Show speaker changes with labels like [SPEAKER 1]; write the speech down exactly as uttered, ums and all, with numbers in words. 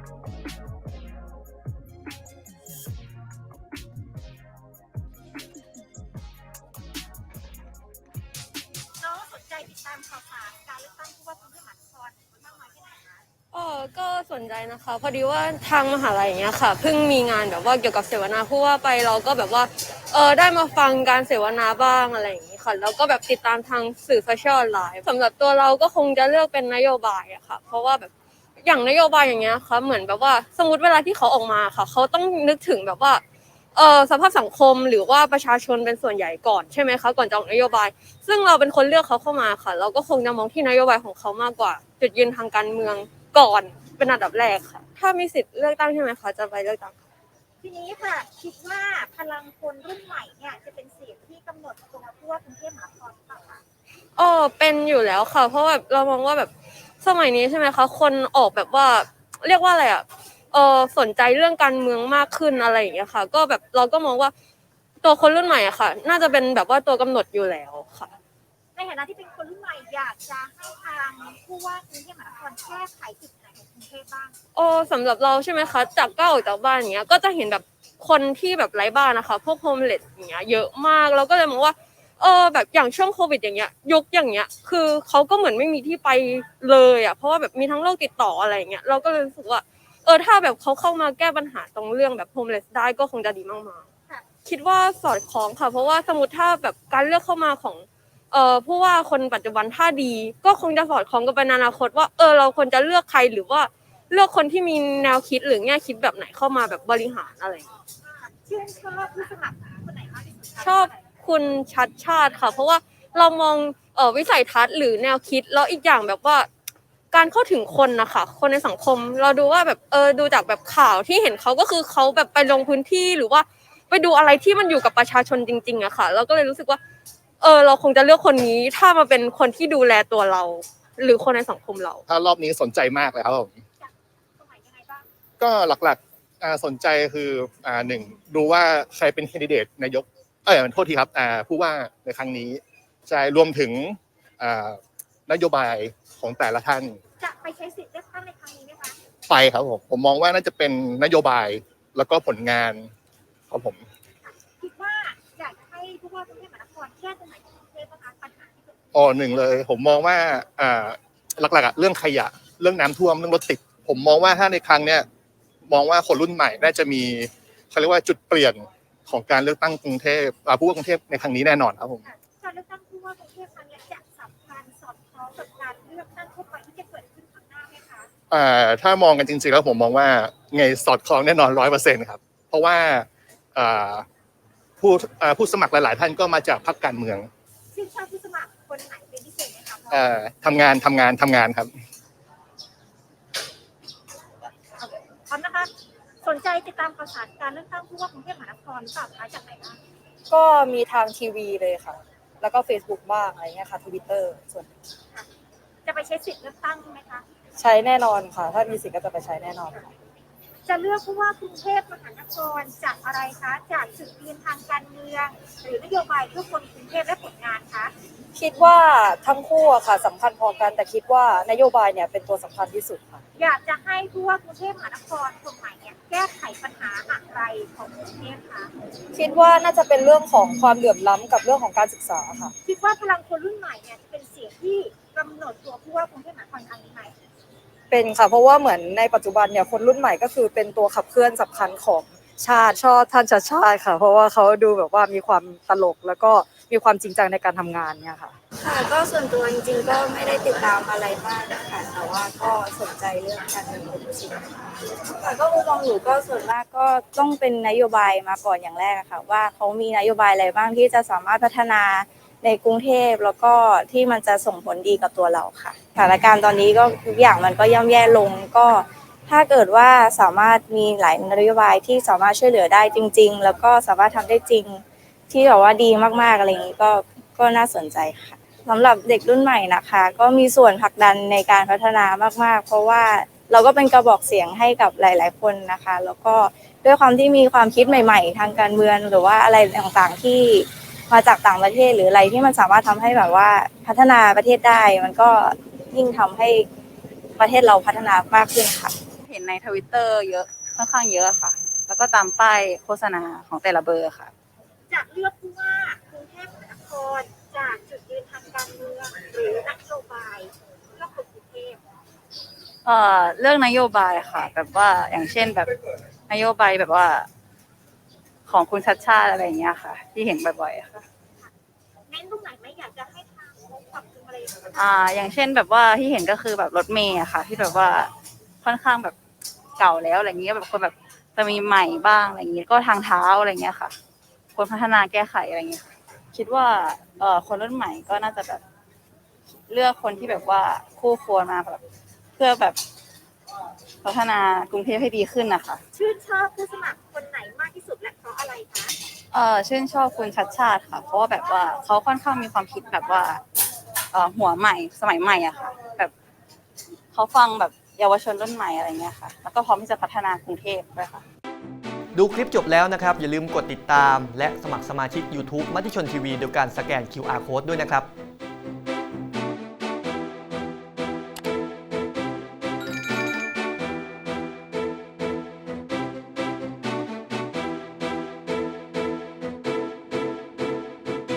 [SPEAKER 1] น้องสนใจติดตามข่าวสารการเลือกตั้งผู้ว่ากรุงเทพมหานครมากน้อยแค่ไหนคะ
[SPEAKER 2] เออก็สนใจนะคะพอดีว่าทางมหาลัยอย่างเงี้ยค่ะเพิ่งมีงานแบบว่าเกี่ยวกับเสวนาผู้ว่าไปเราก็แบบว่าเออได้มาฟังการเสวนาบ้างอะไรอย่างงี้ค่ะแล้วก็แบบติดตามทางสื่อโซเชียลออนไลน์สำหรับตัวเราก็คงจะเลือกเป็นนโยบายอะค่ะเพราะว่าแบบอย่างนโยบายอย่างเงี้ยค่ะเหมือนแบบว่าสมมติเวลาที่เขาออกมาค่ะเขาต้องนึกถึงแบบว่าเออสภาพสังคมหรือว่าประชาชนเป็นส่วนใหญ่ก่อนใช่ไหมคะก่อนจะออกนโยบายซึ่งเราเป็นคนเลือกเขาเข้ามาค่ะเราก็คงจะมองที่นโยบายของเขามากกว่าจุดยืนทางการเมืองก่อนเป็นอันดับแรกค่ะถ้ามีสิทธิ์เลือกตั้งใช่ไหมคะจะไปเลือกตั้งค่ะ
[SPEAKER 1] ทีนี้ค่ะคิดว่าพลังคนรุ่นใหม่เนี่ยจะเป็นเสียงที่กำหนดตัวผู้ว่ากรุงเทพมหานครหรือเปล่าคะ
[SPEAKER 2] เออเป็นอยู่แล้วค่ะเพราะแบบเรามองว่าแบบสมัยนี้ใช่ไหมคะคนออกแบบว่าเรียกว่าอะไรอ่ะเออสนใจเรื่องการเมืองมากขึ้นอะไรอย่างเงี้ยค่ะก็แบบเราก็มองว่าตัวคนรุ่นใหม่อะค่ะน่าจะเป็นแบบว่าตัวกำหนดอยู่แล้วค่ะ
[SPEAKER 1] ในฐานะที่เป็นคนรุ่นใหม่อยากจะให้ทางผู้ว่ากรุงเทพมหานครแก้ไขจุดไหนของกรุงเทพบ้าง
[SPEAKER 2] โอ้สำหรับเราใช่ไหมคะจากก้าวออกจากบ้านอย่างเงี้ยก็จะเห็นแบบคนที่แบบไร้บ้านนะคะพวกโฮมเลสอย่างเงี้ยเยอะมากเราก็เลยมองว่าเออแบบอย่างช่วงโควิดอย่างเงี้ยยุคอย่างเงี้ยคือเขาก็เหมือนไม่มีที่ไปเลยอ่ะเพราะว่าแบบมีทั้งโรคติดต่ออะไรอย่างเงี้ยเราก็เลยรู้สึกว่าเออถ้าแบบเขาเข้ามาแก้ปัญหาตรงเรื่องแบบโฮมเลสได้ก็คงจะดีมากๆคิดว่าสอดคล้องค่ะเพราะว่าสมมติถ้าแบบการเลือกเข้ามาของเอ่อผู้ว่าคนปัจจุบันถ้าดีก็คงจะสอดคล้องกับในอนาคตว่าเออเราควรจะเลือกใครหรือว่า เลือกคนที่มีแนวคิดหรือแง่คิดแบบไหนเข้ามาแบบบริหารอะไร
[SPEAKER 1] ชื่นชอบผู้สมัครคนไหนมากที่สุดคะ
[SPEAKER 2] ชอบคุณชัดชาติค่ะเพราะว่าเรามองเอ่อวิสัยทัศน์หรือแนวคิดแล้วอีกอย่างแบบว่าการเข้าถึงคนนะคะคนในสังคมเราดูว่าแบบเออดูจากแบบข่าวที่เห็นเขาก็คือเขาแบบไปลงพื้นที่หรือว่าไปดูอะไรที่มันอยู่กับประชาชนจริงๆอะค่ะเราก็เลยรู้สึกว่าเออเราคงจะเลือกคนนี้ถ้ามาเป็นคนที่ดูแลตัวเราหรือคนในสังคมเรา
[SPEAKER 3] ถ้ารอบนี้สนใจมากเลยครับผมก็หลักๆอ่าสนใจคืออ่าหนึ่งดูว่าใครเป็นแคนดิเดตนายกเออโทษทีครับอ่าผู้ว่าในครั้งนี้ใช่รวมถึงอ่านโยบายของแต่ละท่าน
[SPEAKER 1] จะไปใช้สิทธิ์เลือกตั้งในครั้งนี้ไหมคะ
[SPEAKER 3] ไปครับผมผมมองว่าน่าจะเป็นนโยบายแล้วก็ผลงานครับผม
[SPEAKER 1] คิดว่าอยากจะให้ผู้ว่ากรุงเทพมหานครแก้ตรงไหนของกรุงเทพบ้างคะปัญหาที่เกิดขึ้น
[SPEAKER 3] อ๋อหนึ่งเลยผมมองว่าอ่าหลักๆอะเรื่องขยะเรื่องน้ำท่วมเรื่องรถติดผมมองว่าถ้าในครั้งเนี้ยมองว่าคนรุ่นใหม่น่าจะมีเขาเรียกว่าจุดเปลี่ยนของการเลือกตั้งกรุงเทพอ่าผู้ว่ากรุงเทพในครั้งนี้แน่นอนครับผม
[SPEAKER 1] การเลือกตั้งผู้ว่ากรุงเทพครั้งนี้จะสำคัญสอดคล้องกับการเลือกตั้งทั่วไปที่จะเกิดขึ้นข้างหน้าไหมคะ
[SPEAKER 3] อ่าถ้ามองกันจริงๆแล้วผมมองว่าไงสอดคล้องแน่นอนร้อยเปอร์เซ็นต์ครับเพราะว่าอ่าผู้อ่าผู้สมัครหลายๆท่านก็มาจากพรรคการเมือง
[SPEAKER 1] ชื่นชอบผู้สมัครคนไหนเป็นพิเศษไหมคะ
[SPEAKER 3] อ่าทำงานทำงานทำงานครับ
[SPEAKER 1] พร้อมนะคะสนใจติดตามข่าวสารการเลือกตั้งผู้ว่ากรุงเทพมหานครหรือเปล่าคะจากไหนบ้าง
[SPEAKER 4] ก็มีทางทีวีเลยค่ะแล้วก็ Facebook บ้างอะไรเงี้ยค่ะ Twitter ส่วน
[SPEAKER 1] จะไปใช้สิทธิ์เลือกตั้งไหมคะ
[SPEAKER 4] ใช้แน่นอนค่ะถ้ามีสิทธิ์ก็จะไปใช้แน่นอนค่ะ
[SPEAKER 1] จะเลือกผู้ว่ากรุงเทพมหานครจากอะไรคะจากจุดยืนทางการเมืองหรือนโยบายเพื่อคนกรุงเทพและผลงานคะ
[SPEAKER 4] คิดว่าทั้งคู่อะค่ะสำคัญพอกันแต่คิดว่านโยบายเนี่ยเป็นตัวสำคัญที่สุดค่ะ
[SPEAKER 1] อยากจะให้ผู้ว่ากรุงเทพมหานครคนใหม่เนี่ยแก้ไขปัญหาอะไรของกรุงเทพคะ
[SPEAKER 4] คิดว่าน่าจะเป็นเรื่องของความเหลื่อมล้ำกับเรื่องของการศึกษาค่ะ
[SPEAKER 1] คิดว่าพลังคนรุ่นใหม่เนี่ยจะเป็นเสียงที่กำหนดตัวผู้ว่ากรุงเทพมหานครครั้งนี้ไหม
[SPEAKER 4] เป็นค่ะเพราะว่าเหมือนในปัจจุบันเนี่ยคนรุ่นใหม่ก็คือเป็นตัวขับเคลื่อนสำคัญของชาติชอบท่านชาติชาติค่ะเพราะว่าเขาดูแบบว่ามีความตลกแล้วก็มีความจริงจังในการทำงานเนี่ยค่ะ
[SPEAKER 5] ค่ะก็ส่วนตัวจริงๆก็ไม่ได้ติดตามอะไรมากนะคะแต่ว่าก็สนใจเรื่องการเมืองเป็นจริงค่ะก็มุมมองหนูก็ส่วนมากก็ต้องเป็นนโยบายมาก่อนอย่างแรกค่ะว่าเขามีนโยบายอะไรบ้างที่จะสามารถพัฒนาในกรุงเทพแล้วก็ที่มันจะส่งผลดีกับตัวเราค่ะสถานการณ์ตอนนี้ก็ทุกอย่างมันก็ย่ำแย่ลงก็ถ้าเกิดว่าสามารถมีหลายนโยบายที่สามารถช่วยเหลือได้จริงๆแล้วก็สามารถทำได้จริงที่แบบว่าดีมากๆอะไรอย่างนี้ก็ก็น่าสนใจค่ะสำหรับเด็กรุ่นใหม่นะคะก็มีส่วนผลักดันในการพัฒนามากๆเพราะว่าเราก็เป็นกระบอกเสียงให้กับหลายๆคนนะคะแล้วก็ด้วยความที่มีความคิดใหม่ๆทางการเมืองหรือว่าอะไรต่างๆที่มาจากต่างประเทศหรืออะไรที่มันสามารถทำให้แบบว่าพัฒนาประเทศได้มันก็ยิ่งทำให้ประเทศเราพัฒนามากขึ้นค่ะ
[SPEAKER 6] เห็นในทวิตเตอร์เยอะค่อนข้างเยอะค่ะ แล้วก็ตามป้ายโฆษณาของแต่ละเบอร์ค่ะ
[SPEAKER 1] จะเลือกผู้ว่ากรุงเทพมหานครจากจุดยืนทางการเมืองหรือนโยบายเพื่อคนกรุงเทพ
[SPEAKER 6] เอ่อเรื่องนโยบายค่ะ แบบว่าอย่างเช่นแบบนโยบายแบบว่า ของคุณชัดชาติอะไรอย่างเงี้ยค่ะ ที่เห็นบ่อยๆค่ะ
[SPEAKER 1] เน้นตรงไหนไหมอยากจะให้ทางเขาปรับปรุงอะไรอย่างเงี้ย
[SPEAKER 6] อ่า อย่างเช่นแบบว่าที่เห็นก็คือแบบรถเมย์อะค่ะ ที่แบบว่าค่อนข้างแบบเก่าแล้วอะไรเงี้ยแบบคนแบบจะมีใหม่บ้างอะไรอย่างเงี้ยก็ทางเท้าอะไรเงี้ยค่ะควรพัฒนาแก้ไขอะไรเงี้ยค่ะคิดว่าเอ่อคนรุ่นใหม่ก็น่าจะแบบเลือกคนที่แบบว่าคู่ควรมาแบบเพื่อแบบพัฒนากรุงเทพให้ดีขึ้นนะคะ
[SPEAKER 1] ชื่นชอบผู้สมัครคนไหนมากที่สุดและเพราะอะไรคะ
[SPEAKER 6] เออชื่นชอบคุณชัดชาติค่ะ เพราะว่าแบบว่าเขาค่อนข้างมีความคิดแบบว่าเอ่อหัวใหม่สมัยใหม่อะค่ะ แบบเขาฟังแบบเยาวชนรุ่นใหม่อะไรเงี้ยค่ะ แล้วก็พร้อมที่จะพัฒนากรุงเทพด้วยค่ะ
[SPEAKER 7] ดูคลิปจบแล้วนะครับ อย่าลืมกดติดตามและสมัครสมาชิก YouTube มติชนทีวีโดยการสแกน คิว อาร์ Code ด้วยนะครับ